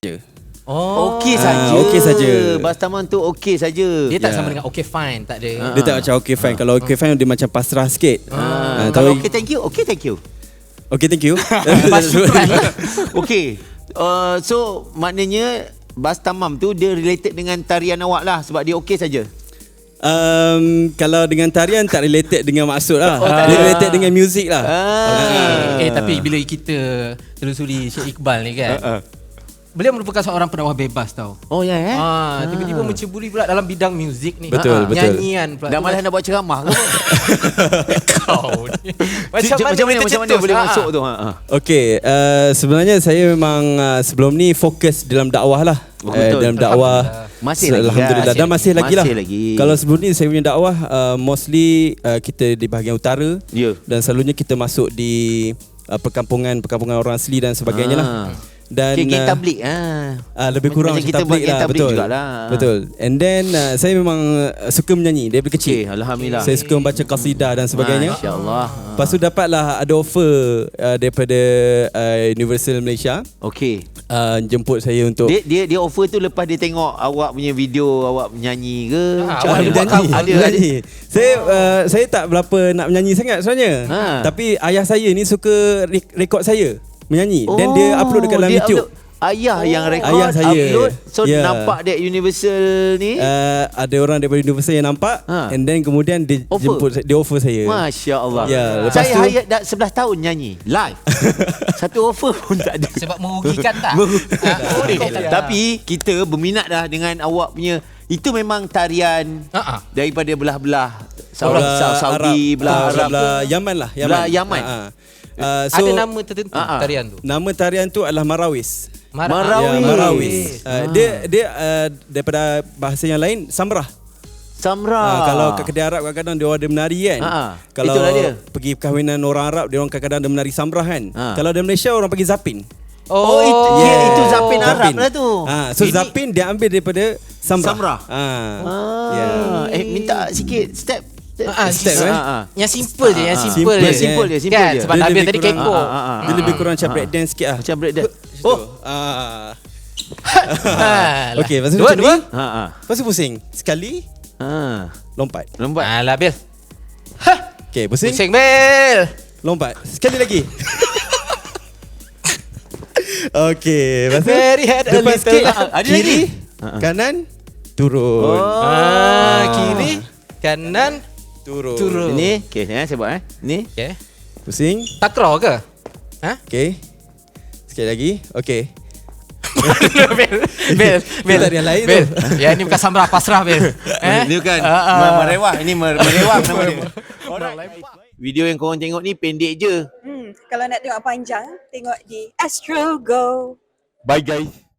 Okey saja. Okey saja. Bastaman tu okey saja. Dia tak sama dengan okay fine, tak ada. Dia tak macam okay fine. Kalau okay fine dia macam pasrah sikit. Kalau okey thank you, okey thank you. Okay, thank you. Okey. So maknanya Bastamam tu dia related dengan tarian awak lah sebab dia okey saja. Kalau dengan tarian tak related dengan maksud lah. Dia related dengan muzik lah. Tapi bila kita telusuri Syed Iqbal ni kan, beliau merupakan seorang pendakwah bebas tau. Oh ya Tiba-tiba menceburi pula dalam bidang muzik ni. Betul. Nyanyian pula. Dah malas nak buat ceramah ke? Kau ni. Macam mana boleh masuk tu? Okay, sebenarnya saya memang sebelum ni fokus dalam dakwah lah. Dalam dakwah masih lagi. Alhamdulillah dan masih lagi lah. Lagi. Kalau sebelum ni saya punya dakwah mostly kita di bahagian utara. Dan selalunya kita masuk di perkampungan orang asli dan sebagainya lah. Dan geng tablik lebih kurang macam kita tablik buat lah, betul. Betul. And then saya memang suka menyanyi daripada kecil. Alhamdulillah. Saya suka membaca qasidah dan sebagainya. Masya-Allah. Lepas tu dapatlah ada offer daripada Universal Malaysia. Okey. Jemput saya untuk dia offer tu lepas dia tengok awak punya video awak menyanyi ke? Awak menyanyi. Saya tak berapa nak menyanyi sangat sebenarnya. Tapi ayah saya ni suka rekod saya menyanyi dan dia upload dekat dalam YouTube. Ayah yang rekod, ayah saya upload. So nampak dia Universal ni. Ada orang daripada Universal yang nampak and then kemudian dia jemput, dia offer saya. Masya-Allah. Lepas saya hayat dah 11 tahun nyanyi live. Satu offer pun tak ada. Sebab merugikan tak? Tapi kita berminat dah dengan awak punya. Itu memang tarian daripada belah-belah Saudi, belah Arab, Yaman lah. Yaman. Ada nama tertentu tarian tu? Nama tarian tu adalah Marawis. Marawis. Dia daripada bahasa yang lain Samrah. Kalau kat kedai Arab kadang-kadang dia ada menari kan. Kalau pergi perkahwinan orang Arab dia orang kadang-kadang ada menari Samrah kan. Kalau di Malaysia orang panggil Zapin. Itu Zapin Arab lah tu. So Zapin dia ambil daripada Samrah. Minta sikit step. Yang simple je, simple je. Kan? Sebab Nabil tadi kekok. Dia lebih kurang macam break dance sikit lah. Macam break dance. Okey, lepas tu macam ni. Lepas tu pusing. Sekali. Lompat. Alah Bil. Okey, pusing. Pusing Bil. Lompat. Sekali lagi. Okey, lepas tu depan sikit. Kiri, kanan, turun. Kiri, kanan, turun. Ini, okey, saya buat Ni. Okey. Pusing. Takraw ke? Okey. Sikit lagi. Okey. Bil. Tak ada yang lain Bil. tu. Ya, ini bukan Samrah pasrah Bil. Ini bukan merewah. Ini merewah nama dia. Video yang korang tengok ni pendek je. Kalau nak tengok panjang, tengok di Astro Go. Bye guys.